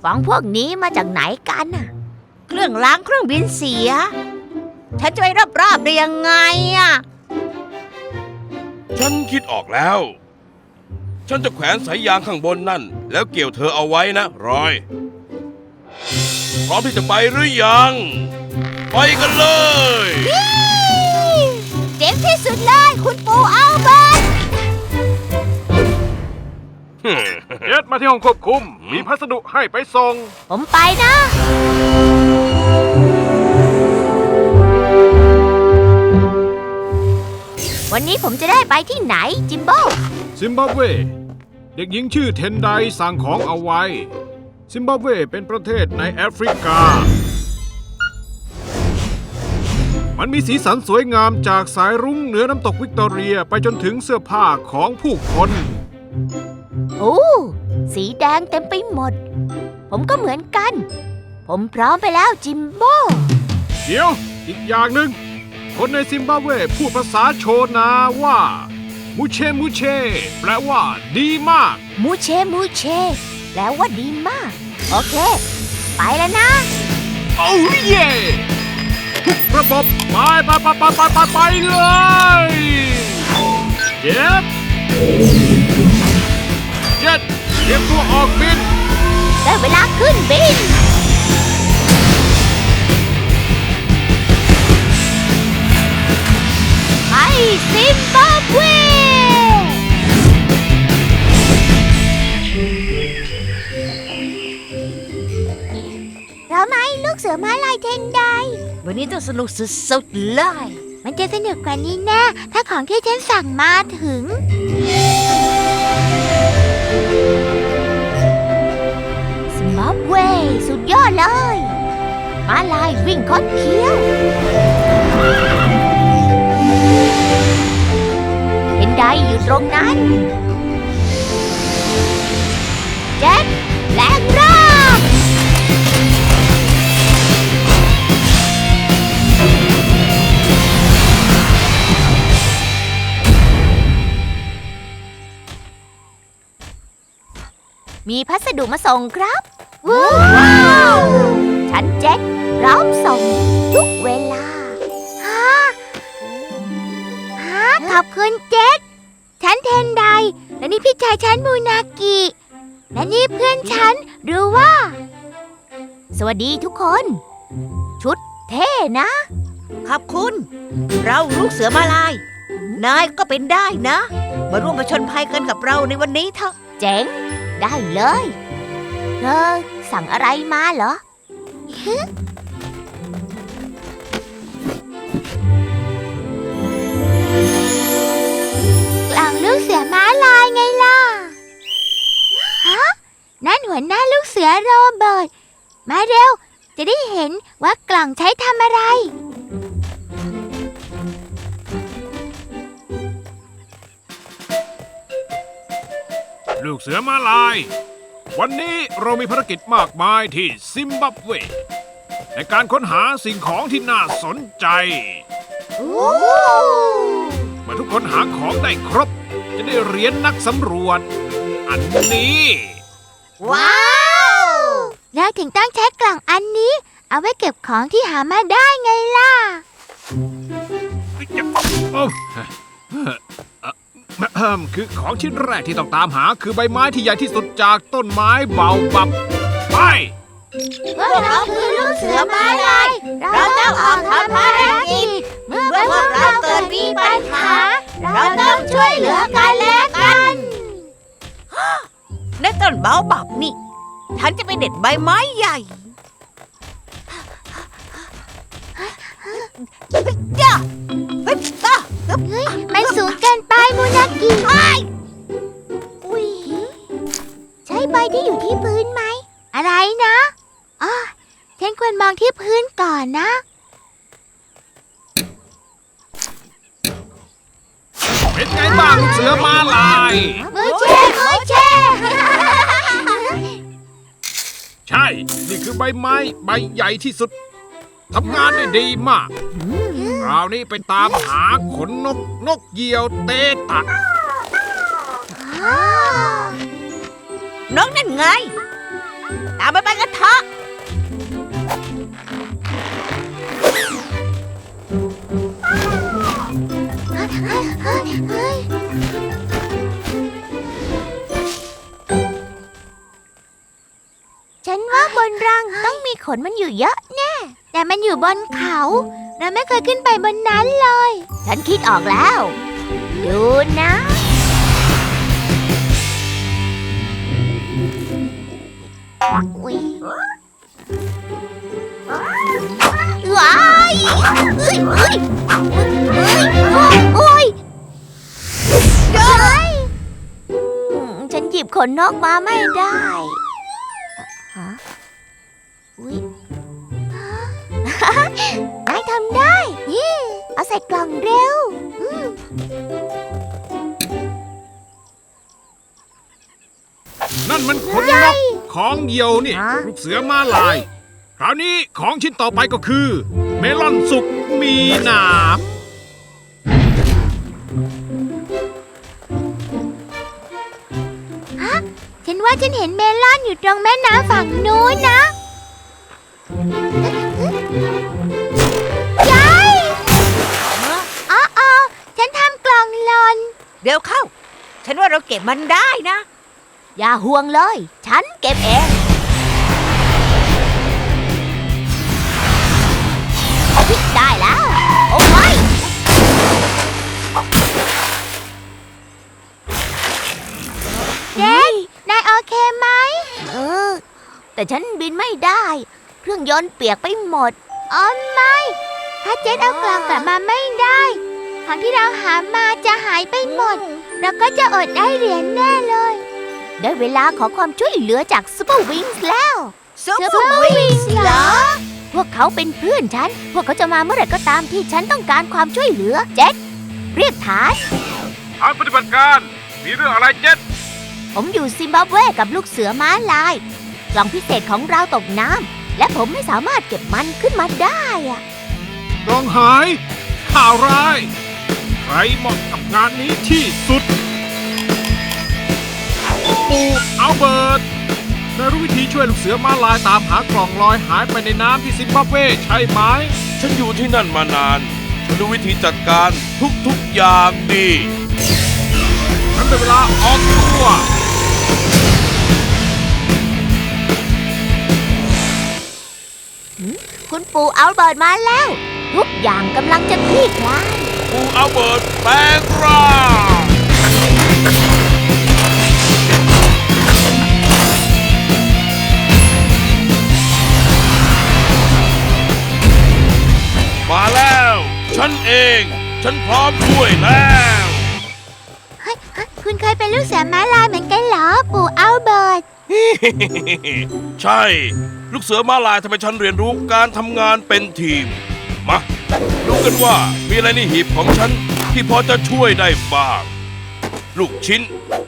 ของพวกนี้มาจากไหนกันน่ะเครื่องล้างเครื่องบินเสียฉันจะไปรอบๆได้ยังไงอ่ะฉันคิดออกแล้ว ฉันจะแขวนสายยางข้างบนนั่นแล้วเกี่ยวเธอเอาไว้นะรอยพร้อมที่จะไปหรือยังไปกันเลยเจ๋งที่สุดเลยคุณปู่อัลเบิร์ตเจ็ดมาที่ห้องควบคุมมีพัสดุให้ไปส่งผมไปนะ วันนี้ผมจะได้ไปที่ไหนจิมโบ้ซิมบับเวเด็กหญิงชื่อเทนไดสั่งของเอาไว้ซิมบับเวเป็นประเทศในแอฟริกามันมีสีสันสวยงามจากสายรุ้งเหนือน้ำตกวิกตอเรียไปจนถึงเสื้อผ้าของผู้คนโอ้สีแดงเต็มไปหมดผมก็เหมือนกันผมพร้อมไปแล้วจิมโบ้เดี๋ยวอีกอย่างหนึ่งคนในซิมบับเวพูดภาษาโชนาว่ามูเชมูเชแปลว่าดีมากมูเชมูเชแปลว่าดีมากโอเคไปแล้วนะโอ้เย่ทุกระบบไปเลยเจ็ดเตรียมตัวออกบินได้เวลาขึ้นบินไปซิมบับเวเราไหมลูกเสือม้าลายเทนไดวันนี้ต้องสนุกสุดๆเลยมันจะสนุกกว่านี้แน่ถ้าของที่ฉันสั่งมาถึงซิมบับเวสุดยอดเลยม้าลายวิ่งคดเคี้ยวเห็นไดอยู่ตรงนั้นเจ็ตแรงร่างมีพัสดุมาส่งครับว้าวฉันเจ็ตพร้อมส่งทุกเวลาขอบคุณเจ็ตฉันเทนไดและนี่พี่ชายฉันมูนากิและนี่เพื่อนฉันรู้ว่าสวัสดีทุกคนชุดเท่นะขอบคุณเราลูกเสือมาลายนายก็เป็นได้นะมาร่วมผจญภัยกันกับเราในวันนี้เถอะเจ๋งได้เลยเธอสั่งอะไรมาเหรอ กล่องลูกเสือม้าลายไงล่ะฮะนั่นหัวหน้าลูกเสือโรเบิร์ตมาเร็วจะได้เห็นว่ากล่องใช้ทำอะไรลูกเสือม้าลายวันนี้เรามีภารกิจมากมายที่ซิมบับเวในการค้นหาสิ่งของที่น่าสนใจเมื่อทุกคนหาของได้ครบจะได้เหรียญนักสำรวจอันนี้ว้าวแล้วถึงต้องใช้กล่องอันนี้เอาไว้เก็บของที่หามาได้ไงล่ะคือของชิ้นแรกที่ต้องตามหาคือใบไม้ที่ใหญ่ที่สุดจากต้นไม้เบาบับไปพวกเราคือลูกเสือม้าลายเราต้องออกทำภารกิจเมื่อพวกเราเกิดมีปัญหาเราต้องช่วยเหลือกันและกันในต้นเบาบับนี่ฉันจะไปเด็ดใบไม้ใหญ่มันสูงเกินไปมูนากิอุ้ยใช่ใบที่อยู่ที่พื้นไหมอะไรนะอ๋อฉันควรมองที่พื้นก่อนนะเป็นไงบ้างลูกเสือม้าลายมือเช่ใช่นี่คือใบไม้ใบใหญ่ที่สุดทำงานได้ดีมากคราวนี้ไปตามหาขนนกเหยี่ยวเตตะนกนั่นไงตามไปกันเถอะฉันว่าบนรังต้องมีขนมันอยู่เยอะแน่ แต่มันอยู่บนเขาเราไม่เคยขึ้นไปบนนั้นเลย ฉันคิดออกแล้ว ดูนะอุ๊ยว้ายเอ้ยเอ้ยโอ้ยเอ้ยฉันหยิบขนนกมาไม่ได้ฮะอุ๊ยนายทำได้ยี่เอาใส่กล่องเร็วนั่นมันขนนกของเหยี่ยวนี่ฮะลูกเสือมาลาย คราวนี้ของชิ้นต่อไปก็คือ เมลอนสุกมีหนามฉันว่าฉันเห็นเมลอนอยู่ตรงแม่น้ำฝั่งนู้นนะยายอ๋อฉันทำกล่องหล่นเดี๋ยวเข้า ฉันว่าเราเก็บมันได้นะอย่าห่วงเลย ฉันเก็บเองได้แล้ว โอ้ยเจ๊นายโอเคไหมแต่ฉันบินไม่ได้ เครื่องยนต์เปียกไปหมดอ๋อไม่ ถ้าเจ๊เอากล่องกลับมาไม่ได้ของที่เราหามาจะหายไปหมด เราก็จะอดได้เหรียญแน่เลย ได้เวลาขอความช่วยเหลือจากซูเปอร์วิงส์แล้ว Super Wings เหรอพวกเขาเป็นเพื่อนฉัน พวกเขาจะมาเมื่อไหร่ก็ตามที่ฉันต้องการความช่วยเหลือ เจ็ดเรียกฐานทางปฏิบัติการ มีเรื่องอะไรเจ็ดผมอยู่ซิมบับเวกับลูกเสือม้าลาย กล่องพิเศษของเราตกน้ำ และผมไม่สามารถเก็บมันขึ้นมาได้อะกล่องหาย ข่าวร้าย ใครเหมาะกับงานนี้ที่สุด ปู่อัลเบิร์ตนายรู้วิธีช่วยลูกเสือมาลายตามหากล่องลอยหายไปในน้ำที่ซิมบับเวใช่ไหมฉันอยู่ที่นั่นมานาน ฉันรู้วิธีจัดการทุกอย่างดีฉันเป็นเวลาออกตัวคุณปู่อัลเบิร์ตมาแล้ว ทุกอย่างกำลังจะคลี่คลายปูอัลเบิร์ตแปลงร่าง มาแล้ว ฉันเอง ฉันพร้อมช่วยแล้วคุณเคยเป็นลูกเสือม้าลายเหมือนกันเหรอ ปู่อัลเบิร์ตใช่ ลูกเสือมาลายทำให้ฉันเรียนรู้การทำงานเป็นทีม มาดูกันว่ามีอะไรในหีบของฉันที่พอจะช่วยได้บ้าง ลูกชิ้น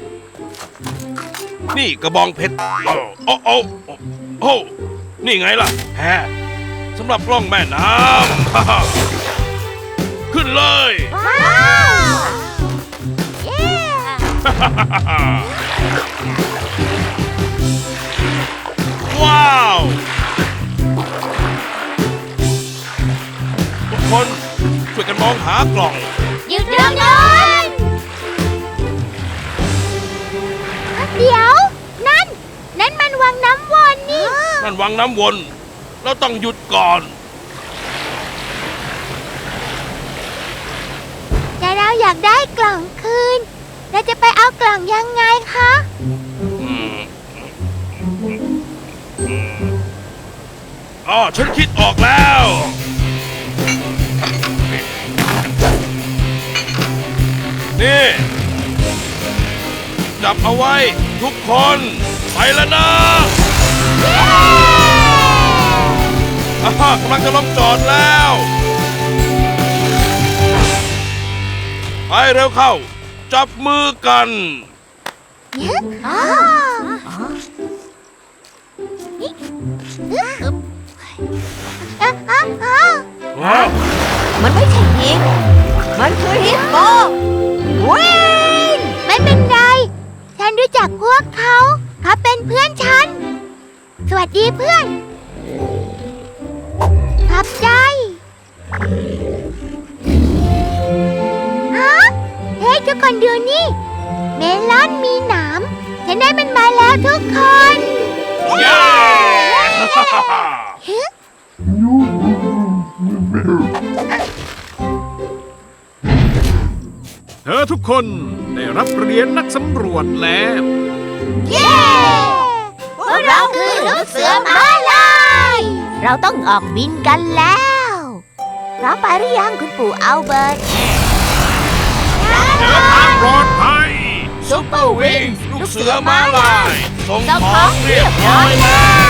นี่กระบองเพชรโอ้นี่ไงล่ะแฮสำหรับกล้องแม่น้ำ ขึ้นเลยว้าวเย้ว้าว ทุกคนช่วยกันมองหากล่องหยุดเรื่องนั้นเดี๋ยว นั่นมันวังน้ำวนนี่นั่นวังน้ำวน เราต้องหยุดก่อนแต่เราอยากได้กล่องคืน เราจะไปเอากล่องยังไงคะอ๋อ ฉันคิดออกแล้ว นี่ จับเอาไว้ทุกคน ไปแล้วนะกำลังจะลงจอดแล้ว ไปเร็วเข้า จับมือกันมันไม่ใช่หินมันคือฮิปโปวิ่งไม่เป็นไร ฉันรู้จักพวกเขา เขาเป็นเพื่อนฉันสวัสดีเพื่อนขอบใจฮะเฮ้ยทุกคนดูนี่ เมลอนมีหนามฉันได้มันมาแล้วทุกคนเย้เธอทุกคนได้รับเหรียญนักสำรวจแล้วเย้พวกเราคือลูกเสือม้าลายเราต้องออกบินกันแล้วพร้อมไปหรือยังคุณปู่อัลเบิร์ตเดินทางปลอดภัยซุปเปอร์วิงลูกเสือม้าลายส่งของเรียบร้อยแล้ว